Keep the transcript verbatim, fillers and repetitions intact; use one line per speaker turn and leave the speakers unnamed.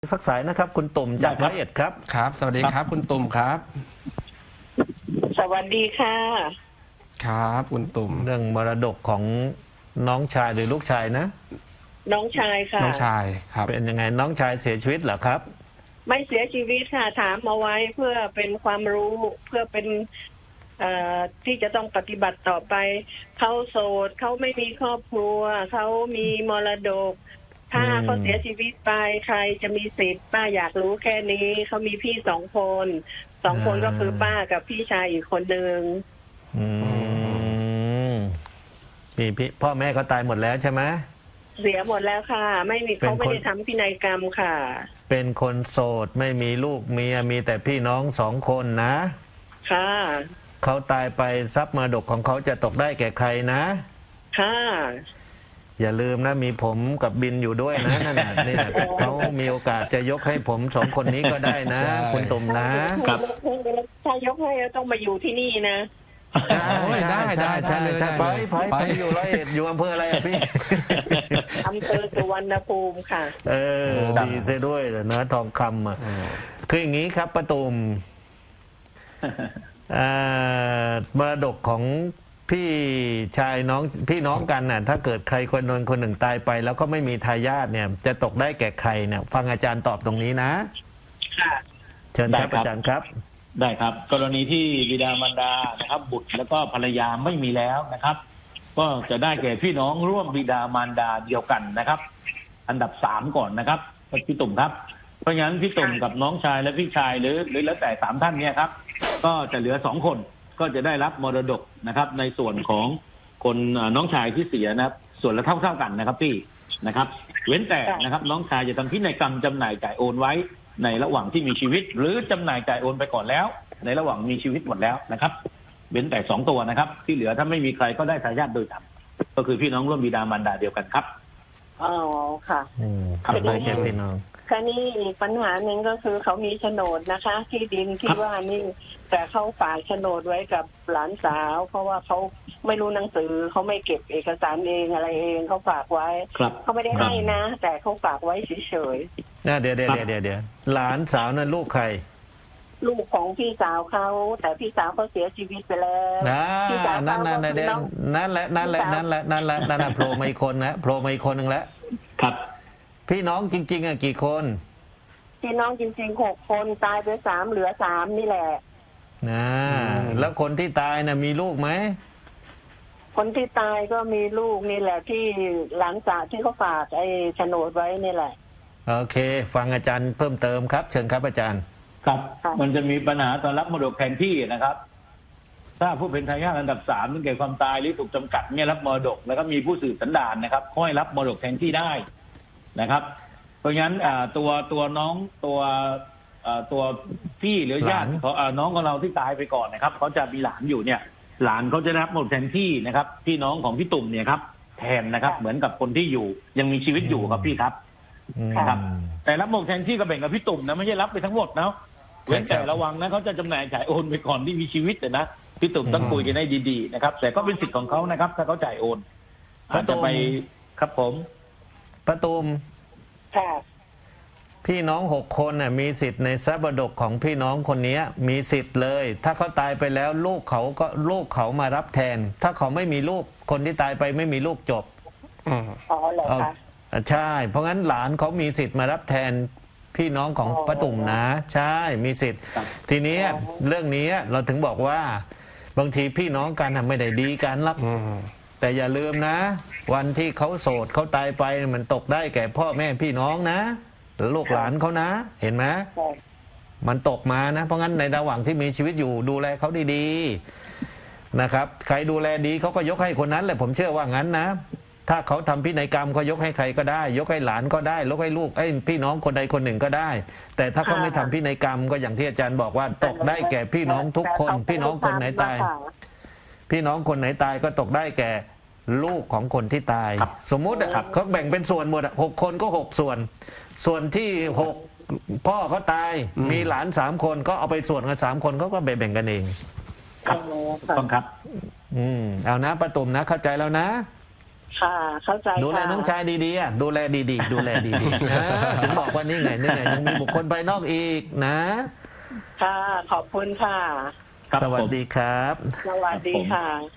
สักสายนะครับคุณตุ่มจากร้อยเอ็ดครับ
ครับสวัสดีครับคุณตุ่มครับ
สวัสดีค่ะ
ครับคุณตุ่ม
เรื่องมรดกของน้องชายหรือลูกชายนะ
น้องชายค่ะ
น้องชายครับ
เป็นยังไงน้องชายเสียชีวิตเหรอครับ
ไม่เสียชีวิตค่ะถามมาไว้เพื่อเป็นความรู้เพื่อเป็นเอ่อที่จะต้องปฏิบัติต่อไปเขาโสดเขาไม่มีครอบครัวเขามีมรดกถ้าเขาเสียชีวิตไปใครจะมีสิทธิ์ป้าอยากรู้แค่นี้เขามีพี่สองคนสองคนก็คือป้ากับพี่ชายอีกคนหนึ่ง
อืมพี่พี่พ่อแม่เขาตายหมดแล้วใช่ไหม
เสียหมดแล้วค่ะไม่มีเขาไม่ได้ทำพินัยกรรมค่ะ
เป็นคนโสดไม่มีลูกเมียมีแต่พี่น้องสองคนนะ
ค่ะ
เขาตายไปทรัพย์มรดกของเขาจะตกได้แก่ใครนะ
ค่ะ
อย่าลืมนะมีผมกับบินอยู่ด้วยนะนั่นน่ะนี่นะเขามีโอกาสจะยกให้ผมสองคนนี้ก็ได้นะคุณตุ่มนะ
ถ้ายกให้ต้องมาอยู่ที่นี่นะ
ใช่ใช่ใช่ใช่ใช่ไปไปไปอยู่ร้อยเอ็ดอยู่อำเภออะไรอ่ะพี่
อำเภอสุวรรณภูมิค่ะ
เออดีเสียด้วยเนื้อทองคำอ่ะคืออย่างนี้ครับป้าตุ่มมรดกของพี่ชายน้องพี่น้องกันน่ะถ้าเกิดใครคนนนคนหนึ่งตายไปแล้วก็ไม่มีทายาทเนี่ยจะตกได้แก่ใครเนี่ยฟังอาจารย์ตอบตรงนี้นะ
ค่ะ
เชิญครับอาจารย์ครับ
ได้ครับกรณีที่บิดามารดานะครับบุตรแล้วก็ภรรยาไม่มีแล้วนะครับก็จะได้แก่พี่น้องร่วมบิดามารดาเดียวกันนะครับอันดับสามก่อนนะครับพี่ตุ่มครับเพราะงั้นพี่ตุ่มกับน้องชายและพี่ชายหรือหรือแล้วแต่สามท่านเนี่ยครับก็จะเหลือสองคนก็จะได้รับมรดกนะครับในส่วนของคนน้องชายที่เสียนะครับส่วนละเท่าเท่ากันนะครับพี่นะครับเว้นแต่นะครับน้องชายจะทำพินัยกรรมจำหน่ายจ่ายโอนไว้ในระหว่างที่มีชีวิตหรือจำหน่ายจ่ายโอนไปก่อนแล้วในระหว่างมีชีวิตหมดแล้วนะครับเว้นแต่สองตัวนะครับที่เหลือถ้าไม่มีใครก็ได้ทายาทโดยธรรมก็คือพี่น้องร่วมบิดามารดาเดียวกันครับ
อ๋อค่ะ
อืมครับได้แก่พี่น้อง
คราวนี้อีกปัญหาหนึ่งก็คือเขามีโฉนดนะคะที่ดินที่ว่านี่แต่เขาฝากโฉนดไว้กับหลานสาวเพราะว่าเขาไม่รู้หนังสือเขาไม่เก็บเอกสารเองอะไรเองเขาฝากไว้เขาไม่ได้ให้นะแต่เขาฝากไว้เฉย
ๆเดี๋ยวเดี๋ยวเดี๋ยวเดี๋ยวหลานสาวนั้นลูกใคร
ลูกของพี่สาวเขาแต่พี่สาวเขาเสียชีวิตไปแล้ว
พี่สาวนั่นนั่นนั่นนั่นแหละนั่นแหละนั่นแหละนั่นแหละนั่นแหละโผล่มาอีกคนนะโผล่มาอีกคนหนึ่งแล้ว
ครับ
พี่น้องจริงๆอ่ะกี่คน
พี่น้องจริงๆหกคนตายไปสามเหลือสามนี่แหละ
นะแล้วคนที่ตายน่ะมีลูกไหม
คนที่ตายก็มีลูกนี่แหละที่หลานสาวที่เขาฝากไอ้โฉนดไว้นี่แหละ
โอเคฟังอาจารย์เพิ่มเติมครับเชิญครับอาจารย์
ครับมันจะมีปัญหาตอนรับมรดกแทนที่นะครับถ้าผู้เป็นทายาทอันดับสามถึงแก่ความตายหรือถูกจำกัดเนี่ยรับมรดกแล้วก็มีผู้สืบสันดานนะครับค่อยรับมรดกแทนที่ได้นะครับเพราะงั้นตัวตัวน้องตัวตัวพี่หรือญาติของน้องของเราที่ตายไปก่อนนะครับเขาจะมีหลานอยู่เนี่ยหลานเขาจะรับมรดกแทนที่นะครับพี่น้องของพี่ตุ่มเนี่ยครับแทนนะครับเหมือนกับคนที่อยู่ยังมีชีวิตอยู่ครับพี่ครับนะครับแต่รับมรดกแทนที่ก็แบ่งกับพี่ตุ่มนะไม่ใช่รับไปทั้งหมดนะเว้นแต่ระวังนะเขาจะจำหน่ายจ่ายโอนไปก่อนที่มีชีวิตนะพี่ตุ่มต้องคุยกันให้ดีๆนะครับแต่ก็เป็นสิทธิ์ของเขานะครับถ้าเขาจ่ายโอนอาจจะไปครับผม
ป้าตุ่มพี่น้องหกคนน่ะมีสิทธิ์ในทรัพย์มรดกของพี่น้องคนนี้มีสิทธิ์เลยถ้าเขาตายไปแล้วลูกเขาก็ลูกเขามารับแทนถ้าเขาไม่มีลูกคนที่ตายไปไม่มีลูกจบ
อ๋อเหรอคะ
ใช่เพราะงั้นหลานเขามีสิทธิ์มารับแทนพี่น้องของป้าตุ่มนะใช่มีสิทธิ์ทีนี้เรื่องนี้เราถึงบอกว่าบางทีพี่น้องกันไม่ได้ดีกันหรอกแต่อย่าลืมนะวันที่เขาโสดเขาตายไปมันตกได้แก่พ่อแม่พี่น้องนะลูกหลานเขานะเห็นไหมมันตกมานะเพราะงั้นในระหว่างที่มีชีวิตอยู่ดูแลเขาดีๆนะครับใครดูแลดีเขาก็ยกให้คนนั้นแหละผมเชื่อว่างั้นนะถ้าเขาทำพินัยกรรมเขายกให้ใครก็ได้ยกให้หลานก็ได้ยกให้ลูกไอ้พี่น้องคนใดคนหนึ่งก็ได้แต่ถ้าเขาไม่ทำพินัยกรรมก็อย่างที่อาจารย์บอกว่าตกได้แก่พี่น้องทุกคนพี่น้องคนไหนตายพี่น้องคนไหนตายก็ตกได้แก่ลูกของคนที่ตายสมมุติเขาแบ่งเป็นส่วนหมดหกคนก็หกส่วนส่วนที่หกพ่อเขาตายมีหลานสามคนก็เอาไปส่วนกันสามคนเขาก็แบ่งกันเอง
ครับต้องครับ
อืมเอานะป้าตุ่มนะเข้าใจแล้วนะ
ค่ะ เข้าใจ
ดูแล
ค่ะ
น้องชายดีๆอ่ะดูแลดีๆ ดูแลดีๆเออถึงบอกว่านี่ไงนี่ไงยังมีบุคคลภายนอกอีกนะ
ค่ะ ขอบคุณค่ะ
ครับ
สวัสดีครับ
สวัสดีค่ะ